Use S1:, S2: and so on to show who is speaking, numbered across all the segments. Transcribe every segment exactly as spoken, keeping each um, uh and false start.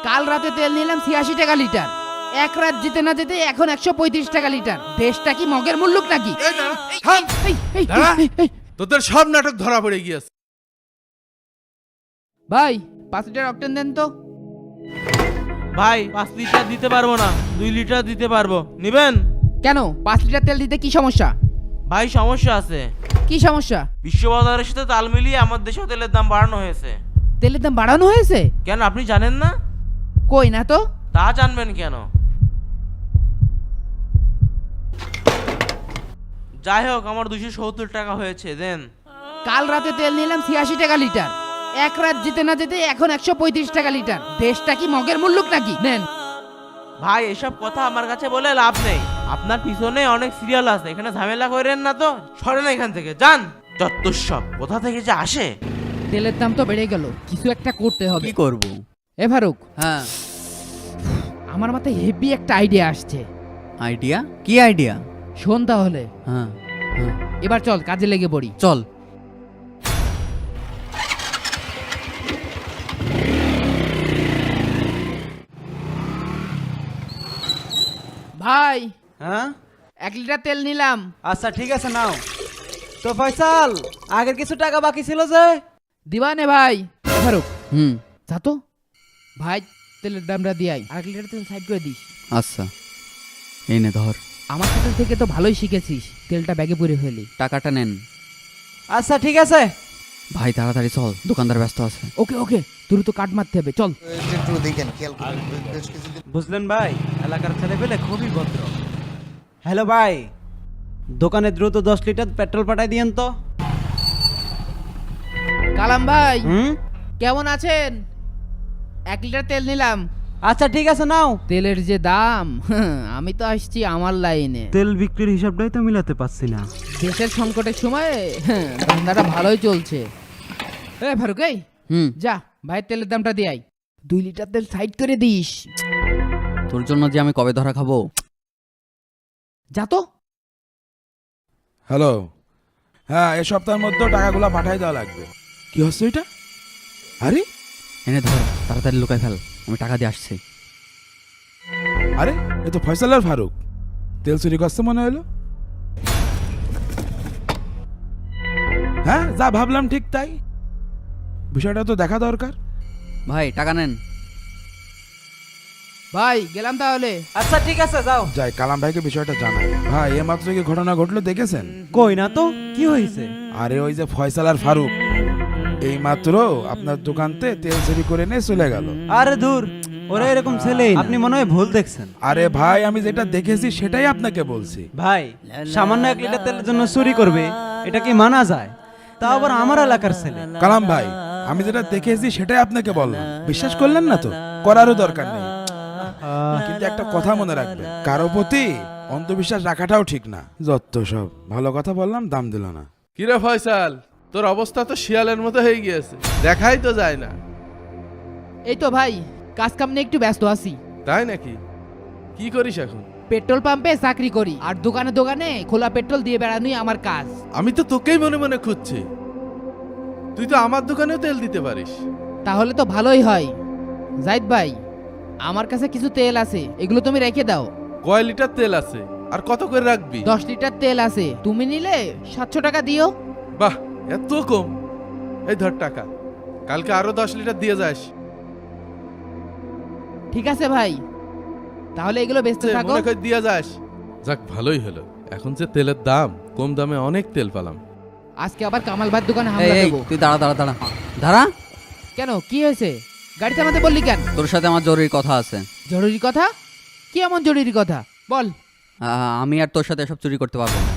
S1: কাল রাতে তেল নিলাম ছিয়াশি টাকা লিটার, এক রাত যেতে না যেতে এখন একশো পঁয়ত্রিশ টাকা লিটার। দেশটা কি মগের মুল্লুক নাকি?
S2: এই দাঁড়া, থাম।
S1: এই, এই,
S2: দাঁড়া।
S1: এই, এই।
S2: তোদের সব নাটক ধরা পড়ে গিয়েছে।
S1: ভাই পাঁচ লিটার অক্টেন দেন তো।
S3: ভাই পাঁচ লিটার দিতে পারবো না, দুই লিটার দিতে পারবো, নিবেন?
S1: কেন পাঁচ লিটার তেল দিতে কি সমস্যা?
S3: ভাই সমস্যা আছে,
S1: কি সমস্যা?
S3: বিশ্ববাজারের সাথে তাল মিলিয়ে আমার দেশেও তেলের দাম বাড়ানো হয়েছে।
S1: তেলের দাম বাড়ানো হয়েছে?
S3: কেন আপনি জানেন না?
S1: কই না তো।
S3: তা জানবেন কেন? যাই হোক, আমার দুশো সত্তর টাকা হয়েছে, দেন।
S1: কাল রাতে তেল নিলাম ছিয়াশি টাকা লিটার, এক রাত যেতে না যেতে এখন একশো পঁয়ত্রিশ টাকা লিটার। দেশটা কি মগের মুল্লুক নাকি? নেন।
S3: ভাই এসব কথা আমার কাছে বলে লাভ নেই, আপনার পিছনে অনেক সিরিয়াল আছে, এখানে ঝামেলা করেন না তো, সরেন এখান থেকে, যান। যত্তসব কোথা থেকে যে আসে।
S1: তেলের দাম তো বেড়ে গেল, কিছু একটা করতে হবে।
S4: কি করব?
S1: এ ফারুক,
S4: হ্যাঁ,
S1: আমার মাথায় হেভি একটা আইডিয়া আসছে।
S4: আইডিয়া? কি আইডিয়া?
S1: শোন তাহলে,
S4: হ্যাঁ হ্যাঁ,
S1: এবার চল কাজে লেগে পড়ি।
S4: চল।
S1: ভাই
S5: হ্যাঁ,
S1: এক লিটার তেল নিলাম।
S5: আচ্ছা ঠিক আছে নাও। তো ফয়সাল, আগের কিছু টাকা বাকি ছিল যে?
S1: দিবানে ভাই। এ ফারুক,
S4: হুম,
S1: যা তো ভাই, তেলের দামটা দিয়াই, আর এক লিটার তেল সাইড করে দিস।
S4: আচ্ছা, এই নে ধর।
S1: আমার সাথে থেকে তো ভালোই শিখেছিস, তেলটা ব্যাগে পরে ফেলি।
S4: টাকাটা নেন।
S5: আচ্ছা ঠিক আছে।
S4: ভাই তাড়াতাড়ি চল, দোকানদার ব্যস্ত আছে।
S1: ওকে ওকে, তোর তো কাট মারতে হবে, চল।
S6: একটু দেখেন, খেয়াল করুন, বেশ কিছুদিন
S5: বুঝলেন ভাই, এলাকার ছেলে পেলে খুবই ভদ্র। হ্যালো ভাই, দোকানে দ্রুত দশ লিটার পেট্রোল পাঠাই দিয়েন তো।
S1: কালাম ভাই,
S5: হুম,
S1: কেমন আছেন? এক লিটার তেল নিলাম।
S5: আচ্ছা ঠিক আছে নাও।
S1: তেলের যে দাম, আমি তো আসছি আমার লাইনে।
S5: তেল বিক্রির হিসাবটাই তো মিলাতে পারছি না।
S1: দেশের সংকটের সময় ধান্দাটা ভালোই চলছে। এ ফারুক, এই
S4: হুম,
S1: যা ভাইয়ের তেলের দামটা দিয়াই, দুই লিটার তেল সাইড করে দিস।
S4: তোর জন্য যে আমি কবে ধরা খাবো।
S1: যা তো।
S2: হ্যালো, হ্যাঁ, এ সপ্তাহের মধ্যে টাকাগুলো পাঠাই দেওয়া লাগবে। কি হচ্ছে এটা? আরে
S4: এনে ধর, তাড়াতাড়ি লুকাই ফেল, আমি টাকা দিয়ে আসছি।
S2: আরে এ তো ফয়সাল আর ফারুক, তেল চুরি করছে মনে হলো। হ্যাঁ, যা ভাবলাম ঠিক তাই, বিষয়টা তো দেখা দরকার।
S4: ভাই টাকা নেন।
S1: ভাই গেলাম তাহলে।
S5: আচ্ছা ঠিক আছে যাও।
S2: যাই কালাম ভাইকে বিষয়টা জানাই। ভাই এ মাত্র কি ঘটনা ঘটলো দেখেছেন?
S5: কই না তো, কি হয়েছে?
S2: আরে ওই যে ফয়সাল আর ফারুক এই মাত্র আপনার দোকানতে তেল চুরি করে নিয়ে চলে গেল।
S5: আরে দূর, ওরা এরকম ছেলেই না। আপনি মনে হয় ভুল দেখছেন।
S2: আরে ভাই, আমি যেটা দেখেছি সেটাই আপনাকে বলছি।
S5: ভাই, সামান্য এক লিটার তেলের জন্য চুরি করবে, এটা কি মানা যায়? তা আবার আমার এলাকার ছেলে।
S2: কালাম ভাই, আমি যেটা দেখেছি সেটাই আপনাকে বললাম, বিশ্বাস করলেন না তো, করারও দরকার নেই। কিন্তু একটা কথা মনে রাখবেন, কারো প্রতি অন্ধবিশ্বাস রাখাটাও ঠিক না। যত সব ভালো কথা বললাম, দাম দিল না।
S7: কিরে ফয়সাল, তোর অবস্থা তো শিয়ালের মতো হয়ে গিয়েছে, দেখাই তো যায় না।
S1: এই তো ভাই, কাজ কাম নিয়ে একটু ব্যস্ত আছি।
S7: তাই নাকি? কি করিস এখন?
S1: পেট্রোল পাম্পে চাকরি করি, আর দোকানে দোকানে খোলা পেট্রোল দিয়ে বেড়ানোই আমার কাজ।
S7: আমি তো তোকেই মনে মনে খুঁজছি, তুই তো আমার দোকানেও তেল দিতে পারিস।
S1: তাহলে তো ভালোই হয়। জাহিদ ভাই, আমার কাছে কিছু তেল আছে, এগুলো তুমি রেখে দাও।
S7: কয় লিটার তেল আছে আর কত করে রাখবি?
S1: দশ লিটার তেল আছে, তুমি নিলে সাতশো টাকা দিও।
S7: বাহ, এত কম! এই ধর টাকা, কালকে আরো দশ লিটার দিয়ে যাস।
S1: ঠিক আছে ভাই, তাহলে এগুলো বেচতে থাকো।
S7: মনে করে দিয়ে যাস। যাক, ভালোই হলো, এখন যে তেলের দাম, কম দামে অনেক তেল পেলাম।
S1: আজকে আবার কামাল ভাইয়ের দোকানে
S4: এই,
S1: হামলা
S4: এই,
S1: দেবো।
S4: তুই দাঁড়া দাঁড়া দাঁড়া দাঁড়া।
S1: কেন, কি হয়েছে? গাড়ি থামাতে বললি কেন?
S4: তোর সাথে আমার জরুরি কথা আছে।
S1: জরুরি কথা? কি এমন জরুরি কথা বল।
S4: আহ, আমি আর তোর সাথে এসব চুরি করতে পারবো না।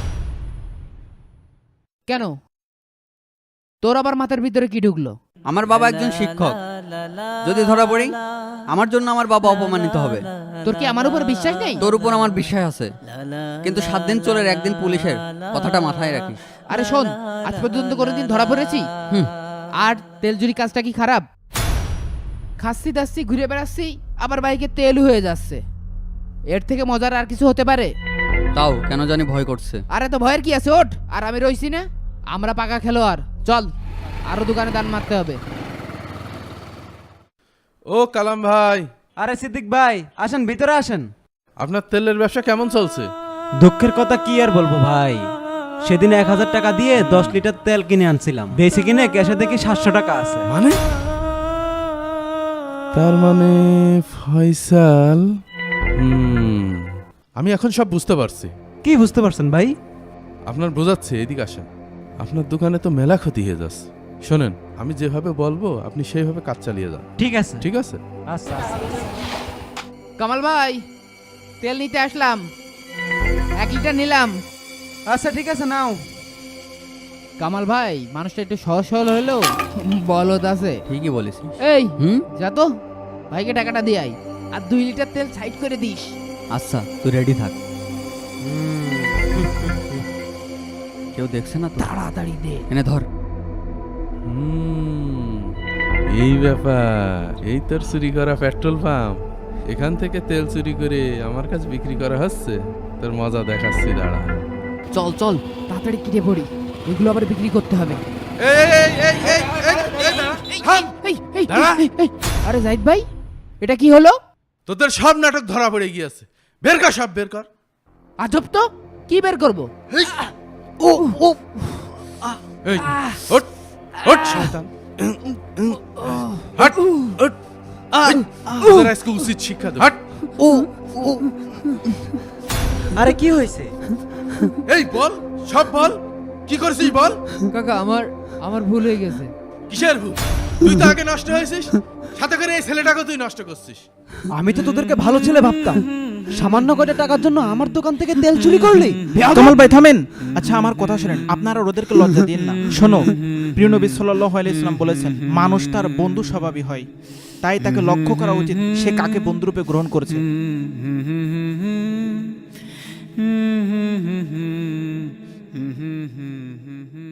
S1: কেন, তোর আবার মাথার ভিতরে কি ঢুকলো?
S4: আমার বাবা একজন শিক্ষক, যদি ধরা পড়ি আমার জন্য আমার বাবা অপমানিত হবে।
S1: তোর কি আমার উপর বিশ্বাস নেই?
S4: তোর উপর আমার বিশ্বাস আছে, কিন্তু সাত দিন চোরের একদিন পুলিশের, কথাটা মাথায় রাখিস।
S1: আরে শোন, আজ পর্যন্ত কোনোদিন ধরা পড়েছি?
S4: হুম,
S1: আর তেল চুরি কাজটা কি খারাপ? খাচ্ছি দাচ্ছি ঘুরে বেড়াচ্ছি, আবার বাইকে তেল হয়ে যাচ্ছে, এর থেকে মজার আর কিছু হতে পারে?
S4: তাও কেন জানি ভয় করছে।
S1: আরে তো ভয়ের কি আছে, ওঠ। আর আমি রইছি না, আমরা পাকা খেলোয়াড়, চল আরো দোকানে দান মারতে হবে।
S7: ও কালাম ভাই,
S5: আরে সিদ্দিক ভাই আসেন ভিতরে আসেন।
S7: আপনার তেলের ব্যবসা কেমন চলছে?
S5: দুঃখের কথা কি আর বলবো ভাই, সেদিন এক হাজার টাকা দিয়ে দশ লিটার তেল কিনে আনছিলাম, বেশি কিনে ক্যাশে দেখি সাতশো টাকা আছে।
S7: মানে তার মানে ফয়সাল, হুম, আমি এখন সব বুঝতে পারছি।
S5: কি বুঝতে পারছেন ভাই?
S7: আপনার বোঝাচ্ছে, এদিকে আসেন। আপনার দোকানে তো মেলা ক্ষতি হয়ে যাচ্ছে। শোনেন, আমি যেভাবে বলবো আপনি সেইভাবে কাজ চালিয়ে যান,
S5: ঠিক আছে
S7: ঠিক আছে?
S5: আচ্ছা আচ্ছা।
S1: কামাল ভাই তেল নিতে আসলাম, এক লিটার নিলাম।
S5: আচ্ছা ঠিক আছে নাও।
S1: কামাল ভাই মানুষটা একটু সহজ সরল হলেও বলদ আছে।
S4: ঠিকই বলিস।
S1: এই
S4: হুম,
S1: যা তো ভাইকে টাকাটা দিয়ে আই, আর দুই লিটার তেল সাইড করে দিস।
S4: আচ্ছা তুই রেডি থাক। কেউ দেখছে না তো?
S1: তাড়াতাড়ি দে।
S4: এনে ধর।
S7: হুম, এই ব্যাপার। এই তোর চুরি করা পেট্রোল পাম্প, এখান থেকে তেল চুরি করে আমার কাছে বিক্রি করা হচ্ছে। তোর মজা দেখাচ্ছি, দাঁড়া।
S1: চল চল তাড়াতাড়ি কিনে পড়ি, এগুলো আবার বিক্রি করতে হবে।
S7: এই, এই, এই, এই, এই, এই, দাঁড়া, থাম।
S1: এই, এই,
S7: দাঁড়া।
S1: এই, এই, আরে জাহিদ ভাই এটা কি হলো?
S7: তোদের সব নাটক ধরা পড়ে গিয়েছে। বের কর, সব বের কর।
S1: আজব তো, কি বের করবো?
S7: ও ও এই ওঠ ওঠ শয়তান, হট ওঠ। তোদের আজকে উচিত শিক্ষা দেব। হট।
S5: আরে কি হয়েছে?
S7: এই বল, সব বল, কি করছিস বল।
S1: কাকা আমার আমার ভুল হয়ে গেছে।
S7: কিসের ভুল? তুই তো আগে নষ্ট হয়েছিস, সাথে করে এই ছেলেটাকে তুই নষ্ট করছিস।
S5: আমি তো তোদেরকে ভালো ছেলে ভাবতাম, সামান্য কয়টা টাকার জন্য আমার দোকান থেকে তেল চুরি করলি।
S8: কামাল ভাই থামেন। আচ্ছা আমার কথা শুনেন, আপনারা ওদেরকে লজ্জা দিন না। শোনো, প্রিয় নবী সাল্লাল্লাহু আলাইহি সাল্লাম বলেছেন, মানুষ তার বন্ধু স্বভাবই হয়, তাই তাকে লক্ষ্য করা উচিত সে কাকে বন্ধুরূপে গ্রহণ করেছে।
S4: হুম